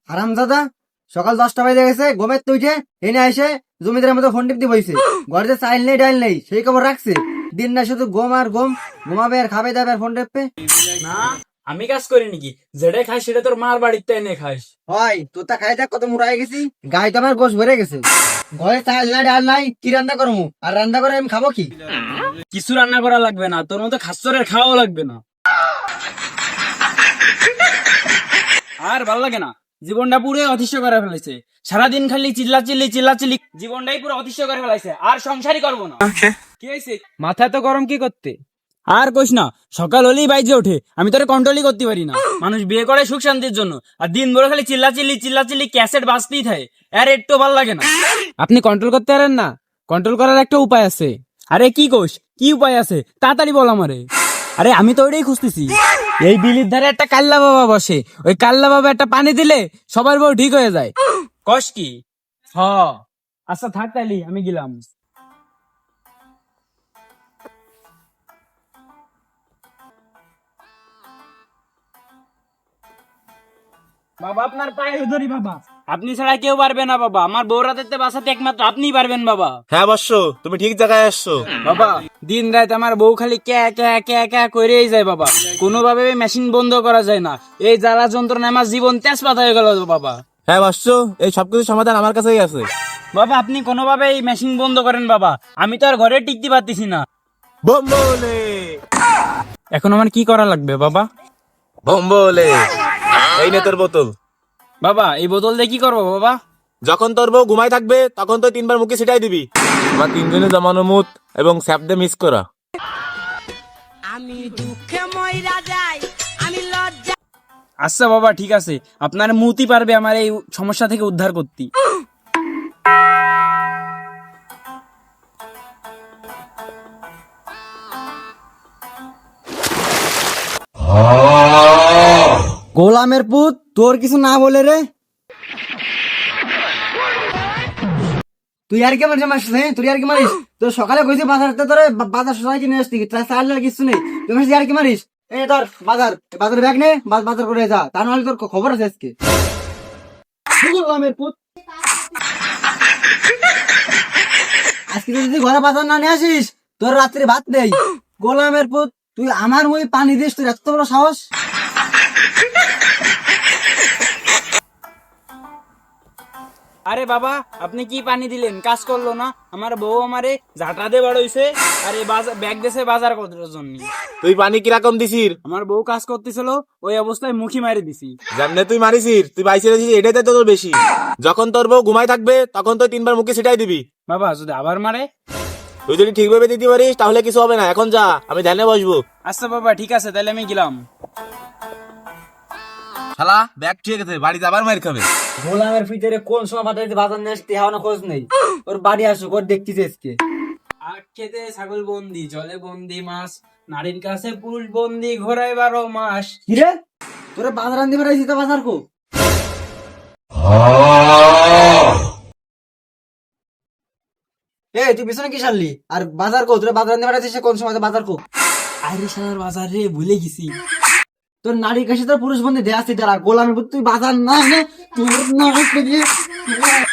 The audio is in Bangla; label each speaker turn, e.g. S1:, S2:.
S1: হারামজাদা, সকাল 10টা বাজে গেছে, ঘুমের তো উঠে এনে এসে জমিদারের মতো ফোন টিপতে বইছে। ঘরে যে চাইল নেই ডাইল নেই সেই খবর রাখছে। দিন না শুধু ঘুম আর ঘুম, ঘুমাবে আর খাবে দাবে আর ফোন টেপবে।
S2: না, আমি কাজ করি নাকি? যেটা খাই সেটা তোর মার বাড়িতে এনে খাস।
S1: হয় তোর তা খাই দেখ কত মুড়াই গেছি, গায়ে তো আমার গোশ ভরে গেছে। ঘরে চাইল নাই ডাল নাই, কি রান্না করবো? আর রান্না করে আমি খাবো কি?
S2: কিছু রান্না করা লাগবে না, তোর মতো খাচ্চরের খাওয়াও লাগবে না। আর ভাল লাগে না, জীবনটা পুরো অতিষ্ঠ করে ফেলেছে। সারাদিন খালি চিল্লাচিল্লি জীবনটাই পুরো অতিষ্ঠ করে ফেলাইছে। আর সংসারই করবো না। কি হয়েছে? মাথা তো গরম কি করতে? আর কইস না, সকাল হলেই বাইজে ওঠে, আমি তোরে কন্ট্রোলই করতে পারি না। মানুষ বিয়ে করে সুখ শান্তির জন্য, আর দিন ভরে খালি চিল্লাচিল্লি ক্যাসেট বাজতেই থাকে। আর একটু ভাল লাগে না। আপনি কন্ট্রোল করতে পারেন না? কন্ট্রোল করার একটা উপায় আছে। আরে কি কোষ, কি উপায় আছে তাড়াতাড়ি বল আমারে। আরে আমি তো ওইটাই খুঁজতেছি। এই বিলির ধারে একটা কাল্লা বাবা বসে, ওই কাল্লা বাবা একটা পানি দিলে সবার বউ ঠিক হয়ে যায়। কষ কি? হ, আচ্ছা থাক তাইলি, আমি গেলাম। বাবা আপনার পায়ে ধরি বাবা, আপনি ছাড়া কেউ পারবে না বাবা। আমার বউ রাতে বাঁচাতে একমাত্র আপনিই পারবেন বাবা।
S3: হ্যাঁ বর্ষ, তুমি ঠিক জায়গায় আসছো।
S2: বাবা দিন রাত আমার বউ খালি ক্যা করেই যায় বাবা। কোনোভাবে মেশিন বন্ধ করা যায় না। এই জ্বালা যন্ত্রণা আমার জীবন তেজপাত হয়ে গেল বাবা।
S3: হ্যাঁ বর্ষ, এই সবকিছু সমাধান আমার কাছেই আছে।
S2: বাবা আপনি কোনোভাবে এই মেশিন বন্ধ করেন বাবা, আমি তো আর ঘরে টিকতে পারতেছি না।
S3: বোম্বলে
S2: এখন আমার কি করা লাগবে বাবা?
S3: বোম্বলে, এই নে তোর বোতল।
S2: বাবা এই বোতল দিয়ে কি করবো বাবা?
S3: যখন তোর বউ ঘুমাই থাকবে তখন তো 3বার মুখে ছিটাই দিবি। আমার 3 জনে জমানো মুত এবং স্যাপদে মিস করা।
S4: আমি দুঃখে মইরা যাই, আমি লজ্জা।
S2: আচ্ছা বাবা ঠিক আছে, আপনার মুতি পারবে আমার এই সমস্যা থেকে উদ্ধার করতে।
S1: গোলামের পুত, তোর কিছু না বলে রে তুই আর কি মারিস? মারিস তুই আর কি মারিস? তোর সকালে কইছি বাজারতে তোরে বাজার সবাই কিনে আসতি, তাই চাল আর কিছু নেই, তুই মারিস আর কি মারিস? এই ধর বাজার ব্যাগ নে, বাজার করে যা, তা নাহলে তোর খবর আছে আজকে। গোলামের পুত, আজকে যদি ঘরে বাজার না নিয়ে আসিস তোর রাত্রে ভাত নেই। গোলামের পুত, তুই আমার মুই পানি দিস, তোর এত বড় সাহস?
S2: আরে বাবা আপনি কি পানি দিলেন? কাজ করলো না? আমার বউ আমারে ঝাঁটা দিয়ে বাড়াইছে, আর এই ব্যাগ দেশে বাজার করার জন্য।
S3: তুই পানি কিরকম দিছিস?
S2: আমার বউ কাজ করতেছিল, ওই অবস্থায় মুখি মারি দিছি।
S3: যেমনে তুই মারিছিস, তুই বাইসে রেছিস, এটাই তো তোর বেশি। যখন তোর বউ ঘুমাই থাকবে তখন তো 3বার মুখে ছিটাই দিবি।
S2: বাবা যদি আবার মারে?
S3: তুই যদি ঠিকভাবে দিতে পারিস তাহলে কিছু হবে না। এখন যা, আমি ধ্যানে বসবো।
S2: আচ্ছা বাবা ঠিক আছে, তাহলে আমি গেলাম।
S3: শালা ব্যাগ ঠিক আছে, বাড়িতে আবার মার খাবে।
S1: গোলামের ভিতরে কোন সময় পাঠাইতে বাজার নিয়ে আসতে হওয়া খোঁজ নেই। ওর বাড়ি আসুক, ওর দেখতেছে আজকে।
S2: আখ খেতে ছাগল বন্দি, জলে বন্দি মাছ, নারীর কাছে পুরুষ বন্দি, ঘোরায় 12 মাস।
S1: কিরে তোরে বাজার আনতে পারাইছি, তো বাজার কো? তুই পিছনে কি সারলি? আর বাজার কো? তোরে বাজার আনতে পারাইছিস কোন সময়? বাজার কো?
S2: আরে শালার বাজার রে, ভুলে গেছি।
S1: তোর নারীর কাছে তোর পুরুষ বন্ধু দেয়া আছে, যারা গোলামের পুত, তুই বাজার না এনে তোর না